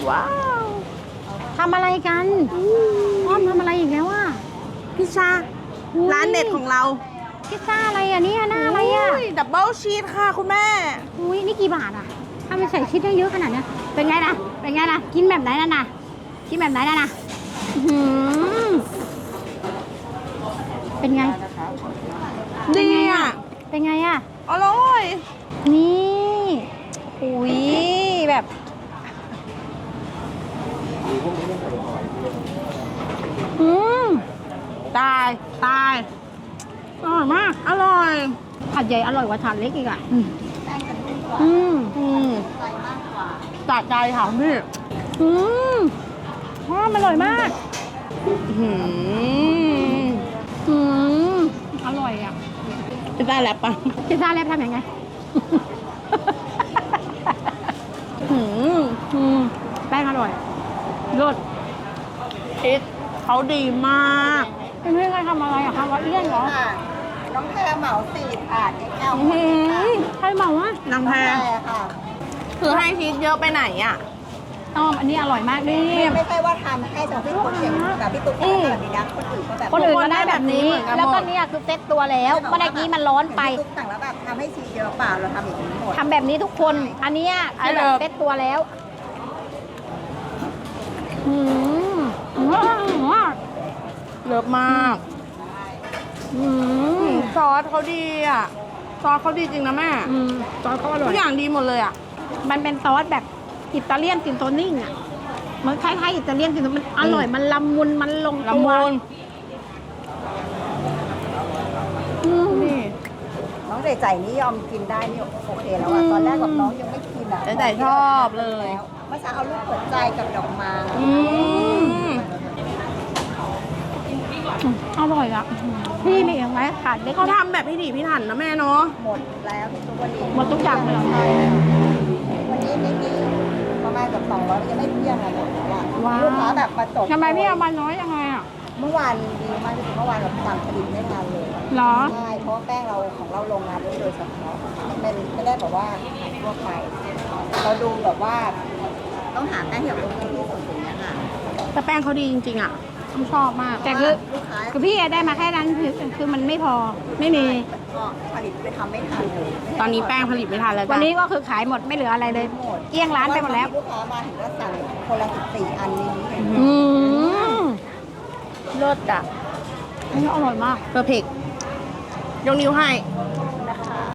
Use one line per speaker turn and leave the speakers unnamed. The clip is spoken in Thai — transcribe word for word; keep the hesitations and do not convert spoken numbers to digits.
ว้าวทำอะไรกันอ้อมทำอะไรอีกแล้วอ่ะ
พิซซ่าร้านเด็ดของเรา
พิซซ่าอะไรอ่ะเนี่ยหน้าอะไรอ่ะ
ดับเบิลชีสค่ะคุณแม่
อุ้ยนี่กี่บาทอ่ะถ้าไม่ใส่ชีสได้เยอะขนาดเนี้ยเป็นไงนะเป็นไงนะกินแบบไหนน่ะนะกินแบบไหนน่ะนะอื้อหือเป็นไง
ดีอ่ะ
เป็นไงอ่ะ
อร่อย
นี่อุ้ยแบบอืม
ตาย ตาย
อร่อยมาก
อร่อย
ถาดใหญ่อร่อยกว่าถาดเล็กอีกอ่ะอืมอืม
อืมตัดใจค่ะพี่
อืมอ๋อมันอร่อยมาก
หืม
อืมอร่อยอ่ะ
พิซซ่าแรปปะ
พิซซ่าแรปทำยังไง
หืม
อืมแป้งอร่อยรส
ชีสเขาดีมาก
เป็นเพื่อนกันทำอะไรอะคะวัดเลี่ยนเหรอ
ค่ะน้องแพรเหมาสี่ถาดแก้ว
อื้อหือ
ใครเหมาวะ
นางแพ
แพ
ร
รค่ะ
คือให้ชีสเยอะไปไหนอ่ะ
อ้อมอันนี้อร่อยมากนี่
ไม่ใช่ว่าทำให้ตรงที่คนเก่งแบบพี่ตุ๊กตาแบบนี้นะคนอื่นก็แบบ
คนอื่นก็ได้แบบนี้
ทุกคนได้แบบนี้เหมือนกันหมด
แล้วก็เนี่ยคือเซ็ตตัวแล้วเมื่อกี้มันร้อนไป
พี่ตุ๊กสั่งแล้วแบบทำให้ชีสเยอะเปล่าเราทำอย่างนี้หมด
ทำแบบนี้ทุกคน อันเนี้ยคือแบบเซ็ตตัวแล้วอืมว้าว
เลิฟมาก
อืม
ซอสเขาดีอ่ะ ซอสเขาดีจริงนะแม่
อืมซอสก็อร่
ทุ
อย
กอย่างดีหมดเลยอ่ะ
มันเป็นซอสแบบอิตาเลียนตินโตนิ่งอ่ะมันคล้ายๆอิตาเลียนตินโตมันอร่อยมันละมุนมันลงตัว
ละมุน
อืม
นี่
น้องเดใจนี่ยอมกินได้นี่โอเคแล้วอะตอนแรกกับน้องยังไม่กินอะ
เด๋ชอบเลย
เมื่อเช้าเอาลูกหัวใจกับดอกไม้
อืม
อร่อยอ่ะพี่มีอีกไหมขาดเล็ก
เขา
เนี่ย
ทำแบบพิถีพิถันนะแม่เนาะ
หมดแล้วทุกวันนี้
หมดทุกอย่างเลยเหรอ
ใช่วันนี้ไม่มีประมาณกับสองร้อยยังไม่เที่ยงอะหมดแล้วอะลูกค้าแบบมาจบ
ทำไมพี่เอามาน้อยยังไงอ่ะ
เมื่อวานดีมากที่สุดเมื่อวานแบบสั่งผลิตไม่ทันเลย
เหรอ
ใช่เพราะว่าแป้งเราของเราโรงงานด้วยโดยเฉพาะมันเป็นไม่ได้แบบว่าขายทั่วไปเราดูแบบว่า ต้องหาแป้งที่แบบโอเคที่สุดอย่างเงี้ยค่ะ
แต่แป้งเขาดีจริงๆอ่ะผมชอบมาก
แต่คือ
ลูกค้า
คือพี่ได้มาแค่นั้นคือคือมันไม่พอไม่มี
ก็ผลิตไปทำไม่ทันเลย
ตอนนี้แป้งผลิตไม่ทันแล้ว
วัน
จ้ะ
นี้ก็คือขายหมดไม่เหลืออะไรเลย
หมด
เกลี้ยงร้านไปหมดแล้ว
ลูกค้ามาถึงก็สั่งคนละสิบสี่อันนี้
อืม
เลิศอ่ะ
อันนี้อร่อยมาก
เพอร์เฟกยกนิ้วให้
อ